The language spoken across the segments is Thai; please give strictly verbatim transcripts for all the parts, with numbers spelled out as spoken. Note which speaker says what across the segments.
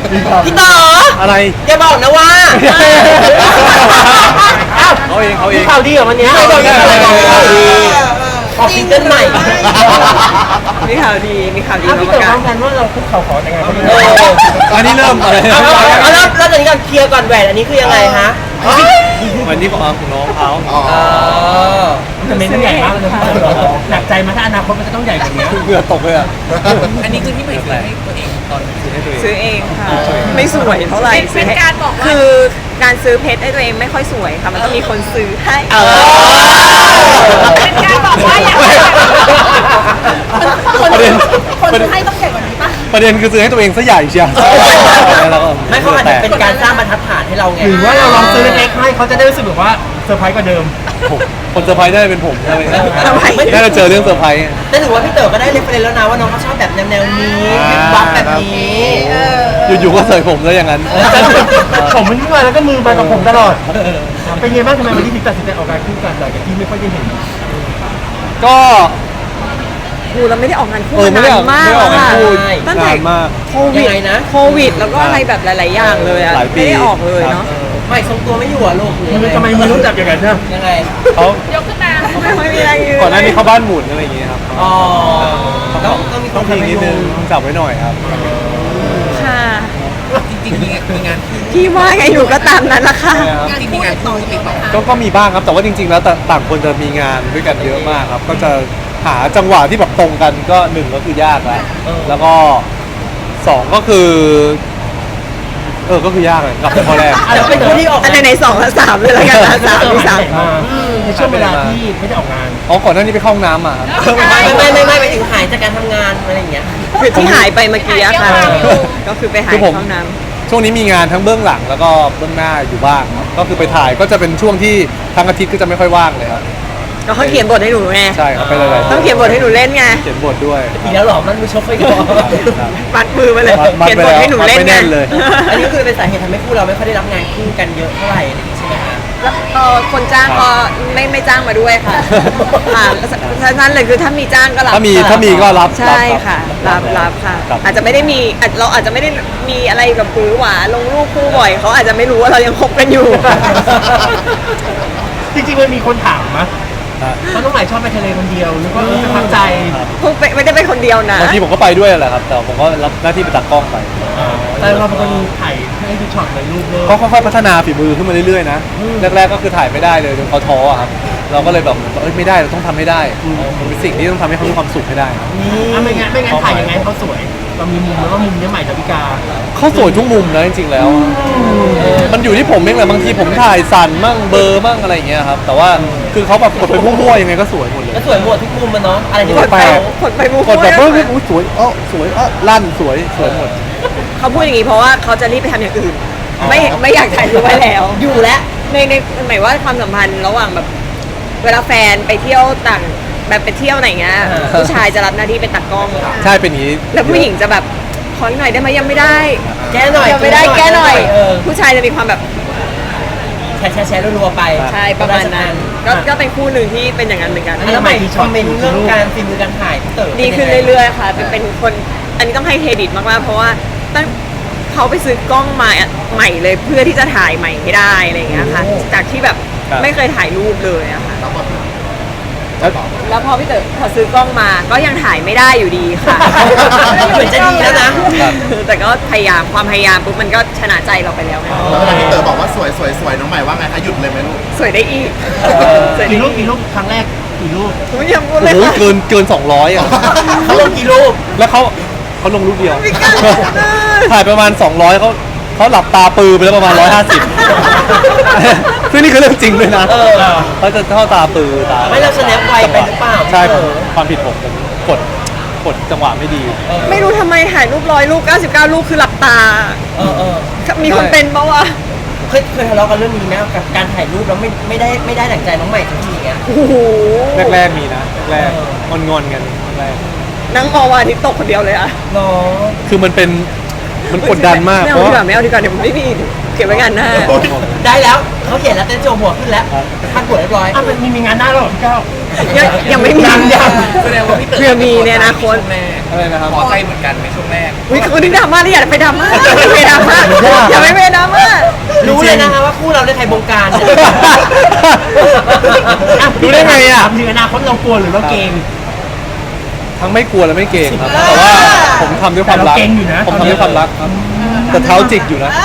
Speaker 1: พี่ต่อ
Speaker 2: อะไร
Speaker 1: อย่าบอกนะว่า
Speaker 2: เขาเองเขาเอง
Speaker 1: ข่าวดีเหรอวันนี้ออกซิงเกิลใหม่
Speaker 3: มีข่าวดีมีข่าวดี
Speaker 1: พี่
Speaker 3: มา
Speaker 1: ต่อ
Speaker 3: ประกาศ
Speaker 1: ทำกันว่าเราคุกเข่าขอแต่งงานเขาเลย
Speaker 2: อันนี้เริ่มอะไร
Speaker 1: เอาเอาแล้วแล้วตอนนี้กันเคลียร์ก่อนแหวนอันนี้คือยังไงฮะ
Speaker 2: วันนี้ของของน้องเขา
Speaker 1: จะเป็นใหญ่มากเลยหนักใจมาถ้าอนาคตมันจะต้องใหญ่กว่านี้
Speaker 2: เหงื่อตกเลยอ่ะ
Speaker 4: อันนี้คือที่ใหม่ซื้อให้ตัวเองตอนซื้อให้ตัวเอง
Speaker 3: ซื้อเองค่ะไม่สวยเท่าไหร่
Speaker 5: เป็นการบอกว่า
Speaker 3: คือการซื้อเพชรให้ตัวเองไม่ค่อยสวยค่ะมันต้องมีคนซื้อให้
Speaker 5: เป็นการบอกว่าอยากให้คน
Speaker 2: ประเด็น
Speaker 5: คนซื้อให้ต้องใหญ่กว่านี้ป่ะ
Speaker 2: ประเด็นคือซื้อให้ตัวเองซะใหญ่เชียว
Speaker 1: ไม่เขาอาจจะเป็นการสร้างบรรทัดฐานให้เราไงหรือว่าเราลองซื้อเล็กๆให้เขาจะได้รู้สึกแบบว่าเซอร์ไพรส์กว่าเดิม
Speaker 2: คนเซอร์ไพรส์ได้เป็นผมใช่ไหม
Speaker 3: ทำไม
Speaker 2: น่าจะเจอเรื่องเซอร์ไพรส์
Speaker 1: แต่ถือว่าพี่เต๋อก็ได้เรฟเฟรนซ์แล้วนะว่าน้องเขาชอบแบบแนวๆนี้วิบวับแบบนี้
Speaker 2: อยู่ๆก็เสยผมแล้วอย่างนั้น
Speaker 1: ผมมันมาแล้วก็มือมากับผมตลอดเป็นไงบ้างทำไมวันนี้ถึงตัดสินใจออกการคู่กันหลังจากที่ไม่ค่อยได้เห็น
Speaker 2: ก็
Speaker 3: กูเราไม่ได้ออกงานคู่
Speaker 2: เออ
Speaker 3: มา
Speaker 2: ไม่ได้
Speaker 3: นา
Speaker 2: ออน ก
Speaker 3: มาก
Speaker 2: ไม่ได้ออกงานคู่
Speaker 3: ตั้งแต่
Speaker 2: นานมาก
Speaker 3: โควิด
Speaker 1: ยังไงนะ
Speaker 3: โควิดแล้วก็อะไรแบบหลาย ๆ อย่างเลยอะ
Speaker 2: หลายปี
Speaker 3: ไม่ได้ออกเลยเนาะ
Speaker 1: ไม่ทรงตัวไม่อยู่อ่ะลูกมือทำไมมือรู้จักอย่างนั้นนะยังไง
Speaker 2: เขา
Speaker 5: ยกขึ้นมา
Speaker 3: ไม่ค่อยมีอะไรยืน
Speaker 2: ก่อนหน้านี้เขาบ้านหมุนอะไรอย่างเงี้ยครับ
Speaker 1: อ๋อ
Speaker 2: ต้
Speaker 1: ต้
Speaker 2: อ
Speaker 1: อง งต้องมีค
Speaker 2: ต้อน งพิงนิดนึงจับไว้หน่อยครับ
Speaker 3: ค่ะ
Speaker 4: จริงๆมีงานมีงานคู่
Speaker 3: พี่ว่าไงหนูก็ตามนั้นละค่ะ
Speaker 4: จริงๆมีงานคู่ติดต่อ
Speaker 2: ก็ก็มีบ้างครับแต่ว่าจริง ๆ แล้วแต่ต่างคนจะมีงานด้วยกันเยอะมากครับ ก็จะหาจังหวะที่แบบตรงกันก็หนึ่งก็คือยากแล้วแล้วก็สองก็คือเออก็คือยากเลยกลับไปข้อแรก
Speaker 1: แล้วเป็นคนที่ออก
Speaker 3: อันไหนๆสองและสามเลยแล้วกันนะสามมีสาม
Speaker 1: ในช่วงเวลาที่ไม่ได้ออกงาน
Speaker 2: อ๋อก่อนหน้านี้ไปเข้าห้องน้ำมาครับ
Speaker 1: ไม่ไม่ไม่ไม่ไปถึงหายจากการทำงานอะไรอย่างเงี้ย
Speaker 3: คือที่หายไปเมื่อกี้อะค่ะ ก็คือไปหายห้องน้
Speaker 2: ช่วงนี้มีงานทั้งเบื้องหลังแล้วก็เบื้องหน้าอยู่บ้างครับก็คือไปถ่ายก็จะเป็นช่วงที่ทั้งอาทิตย์ก็จะไม่ค่อยว่างเลยครับ
Speaker 3: ำก็เขาเขียนบทให้หนูไง
Speaker 2: ใช่ครับไปหลายๆ
Speaker 3: ต้องเขียนบทให้หนูเล่นไง
Speaker 2: เขียนบทด้วย
Speaker 1: อีกแล้วหรอมันมือชกไปก่อน
Speaker 3: มัดมือมาเลย
Speaker 2: มัด
Speaker 3: เขียน
Speaker 2: ไป
Speaker 3: บท
Speaker 2: แล้ว
Speaker 3: ให้หนูเล่น
Speaker 2: มัดไป
Speaker 3: ไง
Speaker 2: แน่นเลย
Speaker 1: อันนี้คือเป็นสาเหตุทำให้คู่เราไม่ค่อยได้รับงานคู่กันเยอะเท่าไหร่ใช่ไหมคะ
Speaker 3: แล้วเอ่อคนจ้างก็ไม่ไม่จ้างมาด้วยค่ะค่ะฉะนั้นเลยคือถ้ามีจ้างก็รับ
Speaker 2: ถ้ามีถ้ามีก็รับ
Speaker 3: ใช่ค่ะ รับรับค่ะ
Speaker 2: ครับ
Speaker 3: อาจจะไม่ได้มีอาจเราอาจจะไม่ได้มีอะไรแบบปื้อหวาลงรูปคู่บ่อยเขาอาจจะไม่รู้ว่าเรายังคบกันอยู่
Speaker 1: จริงๆมันมีคนถามมะว่าน้องใหม่ชอบไปทะเลคนเดียวหรือว่าประทับใจ
Speaker 3: พวกไม่ได้เป็นคนเดียวนะ
Speaker 2: บางทีผมก็ไปด้วยแหละครับ แต่ผมก็รับหน้าที่ไปตัดกล้องไป
Speaker 1: แต่เราเป็นคนถ่ายให้ดูช็อตเลยรูปเลย
Speaker 2: ก็ค่อยๆพัฒนาฝีมือขึ้นมาเรื่อยๆนะแรกๆก็คือถ่ายไม่ได้เลยจนเขาท้ออะครับเราก็เลยแบบเอ้ยไม่ได้เราต้องทำให้ได้มันเป็นสิ่งที่ต้องทำให้เขามีความสุขให้ได้
Speaker 1: นี่ไม่งั้นไม่งั้นถ่ายยังไงเขาสวยเรามีมุมแล้วก็มุมนี้ใหม่ดาวิกา
Speaker 2: เขาสวยทุกมุมนะจริงๆแล้วมันอยู่ที่ผมเองแหละบางทีผมถ่ายสั่นมั่งเบลอร์มั่งอะไรอย่างเงี้ยครับแต่ว่าคือเขาแบบกดไปมั่วๆยังไงก็สวยหมดเลย
Speaker 1: ก็สวยหมดทุกมุมมันเนาะอะไรที่
Speaker 3: ก
Speaker 1: แบ
Speaker 3: ด
Speaker 1: บ
Speaker 3: ไป
Speaker 1: แปลก
Speaker 3: กดไปบู
Speaker 2: กดแบบเฮ้ยเฮ้ยอุ๊ยสวยเอ้อสวยเอ้อลั่นสวยสวยหมด
Speaker 3: เขาพูดอย่างนี้เพราะว่าเขาจะรีบไปทำอย่างอื่น ไม่ไม่อยากถ่ายรูปไว้แล้ว
Speaker 1: อยู่แล้ว
Speaker 3: ในในหมายว่าความสัมพันธ์ระหว่างแบบเวลาแฟนไปเที่ยวต่างแบบไปเที่ยวไหนเงี้ยผู้ชายจะรับหน้าที่เป็นตากล้อง
Speaker 2: ใช่เป็นอย่างนี้
Speaker 3: แล้วผู้หญิงจะแบบขอหน่อยได้ไหมยังไม่ได้
Speaker 1: แก้หน่อย
Speaker 3: ยังไม่ได้แก้หน่อย
Speaker 1: เออ
Speaker 3: ผู้ชายจะมีความแบบ
Speaker 1: แชร์แชร์แชร์รัวๆไป
Speaker 3: ใช่ประมาณนั้นก็ก็เป็นคู่หนึ่งที่เป็นอย่างนั้นเหมือนกัน
Speaker 1: แล้วใหม่คอมเมนต์เรื่องการฝีมือการถ่ายพี่เต๋อ
Speaker 3: ดีขึ้นเรื่อยๆค่ะเป็นเป็นคนอันนี้ต้องให้เครดิตมากๆเพราะว่าตั้งเขาไปซื้อกล้องมาใหม่เลยเพื่อที่จะถ่ายใหม่ให้ได้อะไรอย่างเงี้ยค่ะจากที่แบบไม่เคยถ่ายรูปเลยอะค่ะแล้วพอพี่เต๋อพอซื้อกล้องมาก็ยังถ่ายไม่ได้อยู่ดีค่ะ
Speaker 1: เหมือนจะดีแล้วนะ
Speaker 3: แต่ก็พยายามความพยายามปุ๊บมันก็ชนะใจเราไปแล้วไง
Speaker 6: แล้วเวลาพี่เต๋อบอกว่าสวยสวยสวยน้องใหม่ว่าไงคะหยุดเลยไหมลูก
Speaker 3: สวยได้อีกสวยได้
Speaker 1: กี่รูป
Speaker 3: อี
Speaker 1: กี่
Speaker 3: ก
Speaker 1: รูปครั้งแรกกี่รูป
Speaker 3: ผมยังพูด
Speaker 2: โอ้
Speaker 3: เลย
Speaker 2: โห
Speaker 3: ค่ะ
Speaker 2: เกินเกินสองร้อยอ่ะ
Speaker 1: เขาลงกี่รูป
Speaker 2: แล้วเขาเขาลงรูปเดียว
Speaker 3: ไม่กล้าเลย
Speaker 2: ถ่ายประมาณสองร้อยเขาเขาหลับตาปือไปแล้วประมาณหนึ่งร้อยห้าสิบ ซึ่งนี่คือเรื่องจริงด้วยนะ
Speaker 1: เออ
Speaker 2: เขาจะเข้าตาปือตา
Speaker 1: ไม่เรา snap ไวไปหรือเปล่า
Speaker 2: ใช่
Speaker 1: พี่
Speaker 2: ผ
Speaker 1: เต๋
Speaker 2: ม
Speaker 1: อ
Speaker 2: ความผิดผมผมกดกดจังหวะไม่ดี
Speaker 3: ไม่รู้ทำไมถ่ายรูปร้อยรูปเก้าสิบเก้ารูปคือหลับตา
Speaker 1: เออเออ
Speaker 3: มีคนเป็นปะวะ
Speaker 1: เคยเคยทะเลาะกันเรื่องนี้ไหมกับการถ่ายรูปแล้วไม่ไม่ได้ไม่ได้ดั่งใจน้องใหม่สักทีเงี้ย
Speaker 3: โอ้โห
Speaker 2: แรกๆมีนะแรก
Speaker 1: เออ
Speaker 2: ๆงอนๆกันแรก
Speaker 3: นั่งมองวันอาทิตย์ตกคนเดียวเลยอะ
Speaker 1: เนาะ
Speaker 2: คือมันเป็นมันกดดันมาก
Speaker 3: ไม่
Speaker 2: เพ
Speaker 3: เอา
Speaker 2: ราะ
Speaker 3: ดีก
Speaker 2: ว่า
Speaker 3: ว่าไม่เอาดีกว่าเดี๋ยวไม่มีเก็บไว้งานหน้า
Speaker 1: ได้แล้วเขาเขียนแล้วเต้นโจหัวขึ้นแล้วพันหัวเรียบร้อย
Speaker 5: อ่ะมันมีมีงานหน้าแล้วเหรอพี่ก้าว
Speaker 3: ยังยังไม่มี
Speaker 1: ยังยัง
Speaker 4: แสดงว่าพี่เต๋อ
Speaker 3: เพื่อมีในอนาคต
Speaker 4: ช่วงแรก
Speaker 2: อะไรนะครับ
Speaker 4: ขอใจเหมือนกันในช่วงแรก
Speaker 3: อุ้ยคุณนี่ดราม่าที่อยากไปดราม่าอย่าไปดราม่าอย่าไปดราม่า
Speaker 1: รู้เลยนะคะว่าคู่เราได้ใครบงการเนี่ย
Speaker 2: รู้ได้ไงอ่ะ
Speaker 5: ถามถึงอนาคตเรากลัวหรือเราเกรง
Speaker 2: ทั้งไม่กลัวและไม่เกรงครับ แต่ว่าผมทำด้วยความรัก
Speaker 5: แต่เราเกรงอยู่นะ
Speaker 2: ผมทำด้วยความรักครับ แต่เท้าจิกอยู่นะ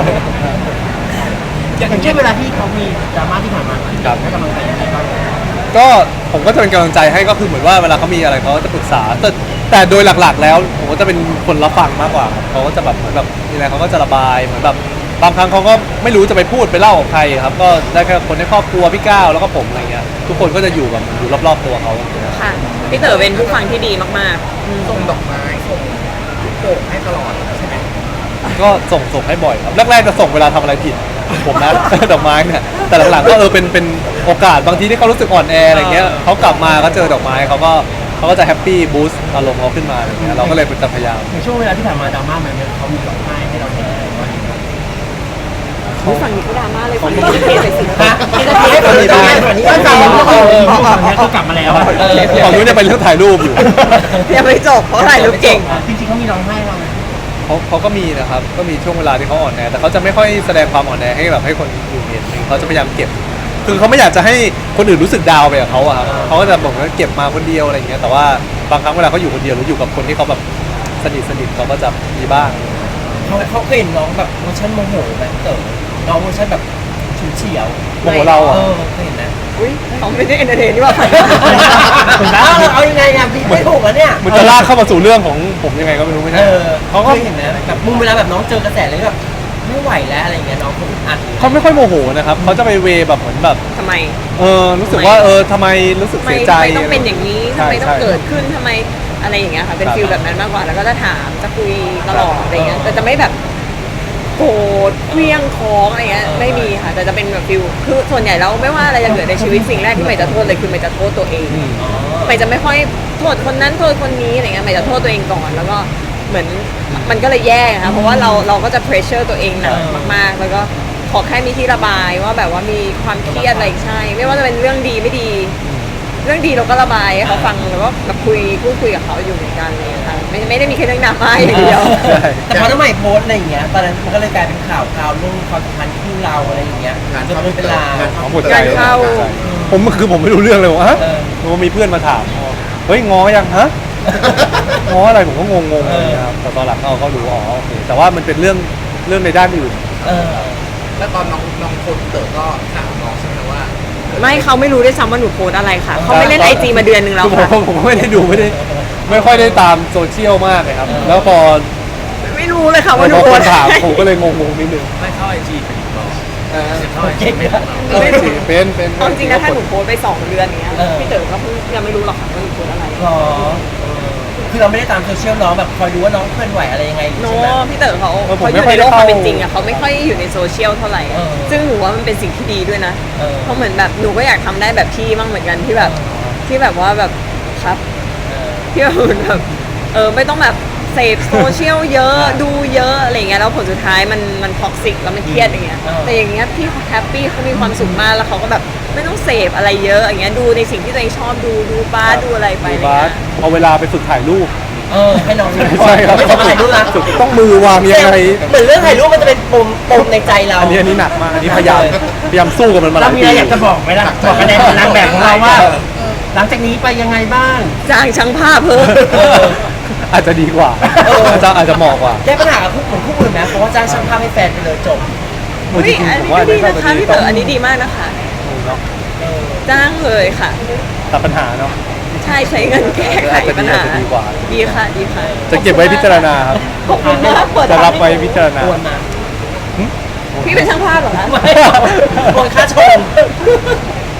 Speaker 5: อย่างเช่นเวลาที่เขามีดราม่าที่ผ่านมา
Speaker 2: ครับ
Speaker 5: ให้กำลังใจยังไงบ้าง
Speaker 2: ก็ผมก็จะเป็นกำลังใจให้ก็คือเหมือนว่าเวลาเขามีอะไรเขาก็จะปรึกษา แต่แต่โดยหลักๆ แล้วผมก็จะเป็นคนรับฟังมากกว่าครับเขาก็จะแบบเหมือนแบบมีอะไรเขาก็จะระบายเหมือนแบบบางครั้งเขาก็ไม่รู้จะไปพูดไปเล่ากับใครครับ ก็ได้แค่คนในครอบครัวพี่ก้าวแล้วก็ผมอะไรเงี้ยทุกคนก็จะอยู่แบบอยู่รอบๆตัวเขาอย่างเงี้ย
Speaker 3: ค่ะพี่เต๋อเป็นผู้ฟังที่ดีมากๆอืม
Speaker 4: ส่งดอกไม้ส่งลูกโป่งให้ตลอดใช่ไหม
Speaker 2: ก็ส่งส่งให้บ่อยครับแรกๆจะส่งเวลาทำอะไรผิดผมนะ ดอกไม้เนี่ยแต่หลังๆก็เออเป็นเป็นโอกาสบางทีที่เขารู้สึกอ่อนแออะไรเงี้ยเขากลับมาก็เจอดอกไม้เขาก็เขาก็จะแฮปปี้บูสต์อารมณ์เขาขึ้นมาอะไรเงี้ยเราก็เลยเป็นจะพยายาม
Speaker 5: ในช่วงเวลาที่ผ่านมาดราม่ามันเขามีร้องไห้ให้เราเห็นอะไรบ้าง
Speaker 3: อุ๊ยฝั่งนี้ก็ดราม่าเลยฝั่งนี้ก็เทเลยสิ
Speaker 1: ฮะที่จะให้คนนี้ได้คนนี้
Speaker 5: ไม่
Speaker 1: ได้
Speaker 5: ฟัง
Speaker 1: เอ
Speaker 5: เขา
Speaker 1: อ
Speaker 5: ฝั่งนี้เขากลับมาแล้วอะ
Speaker 1: เออ
Speaker 2: ฝั่งนู้นเนี่ยเป็นเรื่องถ่ายรูปอยู่
Speaker 3: ยังไม่จบเพราะถ่ายรูปเก่ง
Speaker 5: จริงๆเขามีร้องไห้เราไหม
Speaker 2: เขาเขาก็มีนะครับก็มีช่วงเวลาที่เขาอ่อนแอแต่เขาจะไม่ค่อยแสดงความอ่อนแอให้แบบให้คนอยู่เห็นเขาจะพยายามเก็บ คือเขาไม่อยากจะให้คนอื่นรู้สึกดาวไปกับเขาอะครับเขาก็จะบอกว่าเก็บมาคนเดียวอะไรอย่างเงี้ยแต่ว่าบางครั้งเวลาเขาอยู่คนเดียวหรืออยู่กับคนที่เขาแบบสนิทสนิทเขาก็จะมีบ้าง
Speaker 1: เขาเขาเคยเห็นน้องแบบเวอร์ชันโมโหไหมเต๋อน้องเวอร์ชันแบบฉุนเฉียว
Speaker 2: โมโหเราอะ
Speaker 1: เออเคยเห็นนะ
Speaker 3: อุ้ยเขาไม่ได้เอนเตอร์เทนนี่หว่า
Speaker 1: เอาเราเอายังไงอ่ะพี่ไม่ถูกอ่ะเนี่ย
Speaker 2: มันจะลากเข้ามาสู่เรื่องของผมยังไงก็ไม่รู้ไม่
Speaker 1: เอ
Speaker 2: ใช่
Speaker 1: อ
Speaker 2: เขา
Speaker 1: เค
Speaker 2: ก็
Speaker 1: ยเห็นนะแบบมุมเวลาแบบน้องเจอกระแสเลยแบบไม่ไหวแล้วอะไรอย่างเงี้ยน้องเขาอึดอัด
Speaker 2: เขาไม่ค่อยโมโหนะครับเขาจะไปเวแบบเหมือนแบบ
Speaker 3: ทำไม
Speaker 2: เออรู้สึกว่าเออทำไมรู้สึก
Speaker 3: ทำไม
Speaker 2: เสียใจ
Speaker 3: ทำไมต้องเป็นอย่างนี้ทำ
Speaker 2: ใช่
Speaker 3: ไมต้อง
Speaker 2: ใช่
Speaker 3: เกิดขึ้นทำไมอะไรอย่างเงี้ยค่ะเป็น
Speaker 2: ครับ
Speaker 3: ฟิลแบบนั้นมากกว่าแล้วก็จะถามจะคุยตลอดอะไรเงี้ยแต่จะไม่แบบโกรธเคลี้ยงค้องอะไรเงี้ยไม่มีค่ะแต่จะเป็นแบบฟิลคือส่วนใหญ่แล้วไม่ว่าอะไรจะเกิดในชีวิตสิ่งแรกที่ใหม่จะโทษเลยคือใหม่จะโทษตัวเอง
Speaker 2: อืม
Speaker 3: ใหม่จะไม่ค่อยโทษคนนั้นโทษคนนี้อะไรเงี้ยใหม่จะโทษตัวเองก่อนแล้วก็เหมือนมันก็เลยแย่ค่ะเพราะว่าเราเราก็จะเพรสเชอร์ตัวเองหนักมากๆ แล้วก็ขอแค่มีที่ระบายว่าแบบว่ามีความเครียดอะไรใช่ ไม่ว่าจะเป็นเรื่องดีไม่ดี เรื่องดีเราก็ระบายให้เขาฟังแล้วก็แบบคุยพูดคุยกับเขาอยู่เหมือนกันเลยค่ะไม่ไม่ได้มีแค่เรื่องดราม่าอย่างเดียว
Speaker 2: ใช่
Speaker 1: แต่พอน้องใหม่โพสต์อะไรอย่างเงี้ยตอนนั้นมันก็เลยกลายเป็นข่าวข่าวเรื่องความสัมพันธ์คู่เราอะไรอย่างเงี้ย
Speaker 6: งาน
Speaker 1: จน
Speaker 6: เข้า
Speaker 1: เป็นเวลา
Speaker 2: อ๋อหมดใจ
Speaker 3: งานเข้า
Speaker 2: หมดใจผมคือผมไม่รู้เรื่องเลยว่าฮะ
Speaker 1: เออ
Speaker 2: ว่ามีเพื่อนมาถามเฮ้ยงอยังฮะ ง้ออะไรผมก็งงๆเลยนะครับแต่ตอนหลังเราก็รู้อ๋อโอเคแต่ว่ามันเป็นเรื่องเรื่องในด้านอื่น
Speaker 1: เออ
Speaker 4: แล้วตอนน้องน้องคนเต๋อก็ถามน้องใช่ไหมว่า
Speaker 3: ไม่เขาไม่รู้ด้วยซ้ำว่าหนูโพสต์อะไรค่ะเขาไม่เล่นไอจีมาเดือนหนึ่งแล้ว
Speaker 2: คือผม
Speaker 3: ค่ะ
Speaker 2: ผมก็ไม่ได้ดูไม่ได้ไม่ค่อยได้ตามโซเชียลมากเลยครับ แล้วพอ
Speaker 3: ไม่รู้เลยค่ะว่าหนู
Speaker 2: พอ
Speaker 3: โพ
Speaker 2: ค
Speaker 3: ส
Speaker 2: น
Speaker 3: ต์
Speaker 2: ถาม
Speaker 3: อะไร
Speaker 2: ผมก็เลยงงๆนิดนึง
Speaker 4: ไม่เข้าไอจีเป็นบอก
Speaker 2: เออ
Speaker 4: เข้าไอจี
Speaker 1: เก่ง
Speaker 4: ไม่
Speaker 1: นะ
Speaker 4: บอก
Speaker 2: เป็นสิเป็นเป็น
Speaker 3: เอาจริงนะถ้าหนูโพสต์ไปสองเดือนอย่างเงี้ย
Speaker 1: เออ
Speaker 3: พี่เต๋อก็เพิ่งยังไม่รู้หรอกค่ะว่าหนูโพสต์อะไร
Speaker 1: หรอเออคือเราไม่ได้ตามโซเชียลน้องแบบคอยดูว่าน้องเคลื่อนไหวอะไรยังไงอยู่
Speaker 3: โน
Speaker 1: ใช่ไหม
Speaker 3: พี่เต๋อเขา
Speaker 2: เออผม
Speaker 3: เขาอ
Speaker 2: ไม่
Speaker 3: ยู่
Speaker 2: ค่อยได้เข้า
Speaker 3: ในโลกความเป็นจริงอะเขาไม่ค่อยอยู่ในโซเชียลเท่าไหร่อะ
Speaker 1: เออ
Speaker 3: ซึ่งหนูว่ามันเป็นสิ่งที่ดีด้วยนะ
Speaker 1: เออ
Speaker 3: เพราะเหมือนแบบหนูก็อยากทำได้แบบพี่บ้างเหมือนกันที่แบบ
Speaker 1: เออ
Speaker 3: ที่แบบว่าแบบครับ
Speaker 1: เออ
Speaker 3: ที่แบบเหมือนแบบเออไม่ต้องแบบเสพโซเชียลเยอะดูเยอะอะไรเงี้ยแล้วผลสุดท้ายมันมันท็อกซิกแล้วมันเครียดอย่างเงี้ย
Speaker 1: เออ
Speaker 3: แต่อย่างเงี้ยพี่เขาแฮปปี้เขามีความสุขมากแล้วเขาก็แบบไม่ต้องเสพอะไรเยอะอย่างเงี้ยดูในสิ่งที่ตัวเองชอบดูดูบ้าสดูอะไรไป
Speaker 2: ดู
Speaker 3: อะไร
Speaker 2: บา
Speaker 3: เงี้
Speaker 2: ส
Speaker 3: ย
Speaker 2: เอาเวลาไปฝึกถ่ายรูป
Speaker 1: เออให้น้องดู
Speaker 2: ใช่ครับ
Speaker 1: ไม่ทำอะไรรู้นะ
Speaker 2: ฝึกต้องมือวางยังไง
Speaker 1: เหมือนเรื่องถ่ายรูปมันจะเป็นปมปมในใจเรา
Speaker 2: อันนี้อันนี้หนักมากอันนี้พยายามพยายามสู้กับมันมาห
Speaker 5: เรา
Speaker 2: ลาย
Speaker 5: มี
Speaker 2: ปี
Speaker 5: อะไรอยากจะบอกไหมล่ะบอกคะแนนนางแบบของเราว่า หลังจากนี้ไปยังไงบ้าง
Speaker 3: จ้างช่างภาพเพิ่ม
Speaker 1: เออ
Speaker 2: อาจจะดีกว่า
Speaker 1: เออ
Speaker 2: อาจจะอาจจะเหมาะกว่า
Speaker 1: แก้ปัญหากับคู่เหมือนคู่อื่นไหมเพราะว่าจ้างช่างภาพให้แฟนไปเลยจบ
Speaker 3: อุ้ยอันนี้ก็ดีนะคะพี่เต๋ออันนี้ดีมากนะคะ
Speaker 2: เนาะ
Speaker 1: เออ
Speaker 3: จ้างเลยค่ะ
Speaker 2: ตัดปัญหาเนาะ
Speaker 3: ใช่ใช้เงินแก้ไขปัญหา
Speaker 2: อาจจะดีกว่า
Speaker 3: ดีค่ะดีค่ะ
Speaker 2: จะเก็บไว้พิจารณาครับ
Speaker 3: ขอบคุณมากเปิด
Speaker 2: จะรับไว้พิจารณา
Speaker 1: โอนมา
Speaker 3: พี่เป็นช่างภาพเหรอคะ
Speaker 1: ไม่โอนค่าชมอ่ะโม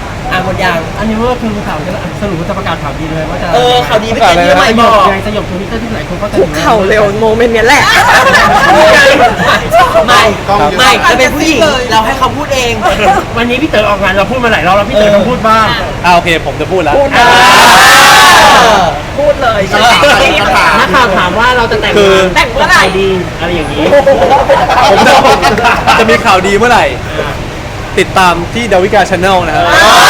Speaker 1: มดยัง
Speaker 5: อันนี้ว่าคือข่าวจะสรุปว่าจะประกาศข่าวดีเลยว่าจะ
Speaker 1: เออข่าวดีไม่เกินที่ใหม่
Speaker 5: ส
Speaker 1: บ
Speaker 5: ย
Speaker 1: อบ ก
Speaker 5: ยังสยบทวิตเตอร์ที่หลายคนก็จะ
Speaker 3: คุกเข่าเร็วโมเมนต์เนี้ยแหละ
Speaker 1: ไม่
Speaker 6: กล้องเยอะ
Speaker 1: ไม่เราเป็นผู้หญิงเราให้เขาพูดเอง
Speaker 5: วันนี้พี่เต๋อออกงานเราพูดมาหลายรอบแล้วพี่เต๋อต้องพูดบ้าง
Speaker 2: อ่าโอเคผมจะพูดแล้ว
Speaker 3: พูด
Speaker 1: อ่า
Speaker 3: พูดเลย
Speaker 1: เออ
Speaker 5: นักข่าวถามว่าเราจะแต่ง
Speaker 2: คือ
Speaker 5: งาน
Speaker 3: แต่งเมื่อไหร่
Speaker 5: ดีอะไรอย่างนี้
Speaker 2: ผมจะจะมีข่าวดีเมื่อไหร่ ติดตามที่ดาวิกาชาแนลนะครับ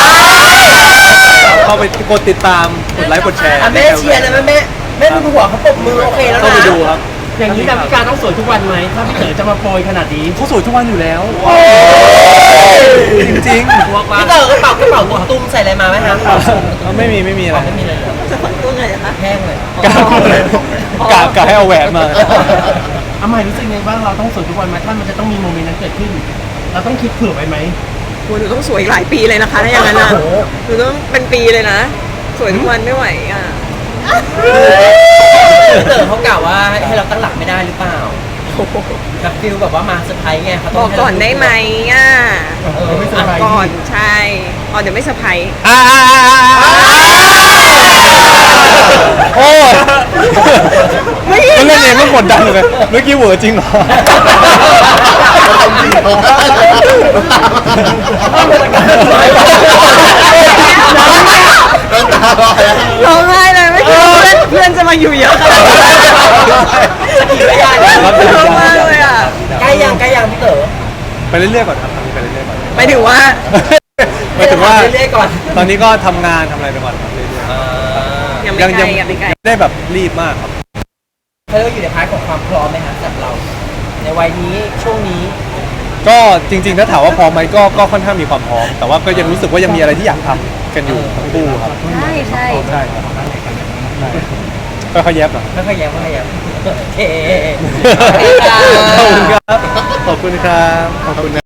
Speaker 2: เข้าไปกดติดตามกดไลค์กดแชร์
Speaker 1: อ่ะแม่เชียร์เลยแม่แม่แม่ดูหัวเขาปรบมือโอเคแล้วนะ
Speaker 2: เข้าไปดูครับ
Speaker 5: อย่างนี้ดาวิกาต้องสวยทุกวันไหมถ้าพี่เต๋อจะมาโปรยขนาดนี้
Speaker 2: เขาสวยทุกวันอยู่แล้ว จริง
Speaker 1: พี่เต๋อกระเป๋ากระเป๋าหมวกตุ้มใส่อะไรมาไหมครับ
Speaker 2: ๆไม่มีไม่มีอะไร
Speaker 1: ไม่มีเลยเหรอ
Speaker 3: จะฝังตัวไงอะคะ
Speaker 1: แห้งเลย
Speaker 2: กล้าพูดเลยกล้ากล้าให้เอาแหวนมา
Speaker 5: อาใหม่รู้สึกไงบ้างเราต้องสวยทุกวันไหมถ้ามันจะต้องมีโมเมนต์นั้นเกิดขึ้น เราต้องคิดเผื่อไว้ไหม
Speaker 3: โหหนูต้องสวยอีกหลายปีเลยนะคะถ้าอย่างนั้นนะหนูต้องเป็นปีเลยนะ สวยทุกวันไม่ไหวอ่ะ
Speaker 1: พี่เต๋อเขากล่าวว่าให้เราตั้งหลักไม่ได้หรือเปล่าแบบฟิลแบบว่ามาเซอร์ไพรส์ไงเขา
Speaker 3: บ
Speaker 1: ต้อ
Speaker 3: อง ก
Speaker 1: ให้
Speaker 3: ก่
Speaker 1: เรา
Speaker 3: อนได้ไหมอ่ะ
Speaker 1: เออ
Speaker 5: ไม่เซอ
Speaker 3: อ่ะ
Speaker 5: ร์ไพรส์
Speaker 3: ก่อนใช่อ๋อเดี๋ยวไม่เซอร์ไพรส์
Speaker 2: อ่าโอ้ยก็เล่นเองก็กดดันเลยเมื่อกี้เหวอจริงเหรอ
Speaker 3: ร้องไห้เลยไม่คิดว่าเพื่อนเพื่อนจะมาอยู่เยอะขนาดนี้
Speaker 1: สกิลไม่ได้เลย
Speaker 3: ร้องมากเลยอ่ะ
Speaker 1: ใกล้ยังใกล้ยังพี่เต๋อ
Speaker 2: ไปเรื่อยๆก่อนครับไปเรื่อยๆก่อน
Speaker 3: หมายถึงว่า
Speaker 2: หมายถึงว่า
Speaker 1: เรื่อยๆก่อน
Speaker 2: ตอนนี้ก็ทำงานทำอะไรไปก่อนครับเรื่อย
Speaker 1: อ่า
Speaker 3: ยัง
Speaker 2: ๆ
Speaker 3: ไม่ไกลยังไม่ไกล
Speaker 2: ไม่ได้แบบรีบมากครับ
Speaker 1: เขาเรียกว่าอยู่ในพาร์ทของความพร้อมไหมฮะสำหรับเรา ในวัยนี้ช่วงนี้
Speaker 2: ก็จริงๆถ้าถามว่าพร้อมไหมก็ก็ค่อนข้างมีความพร้อม แต่ว่าก็ยังรู้สึกว่ายังมีอะไรที่อยากทำกันอยู่ทั้งคู่ครับ
Speaker 3: ใช่ใช่
Speaker 2: ใช่ครับค่อยๆแยบหน่อย
Speaker 1: ไม่ค่อยแย้มไม่ค่อยแย้มโอเค
Speaker 2: ขอบคุณครับ ขอบคุณครับ ขอบคุณนะ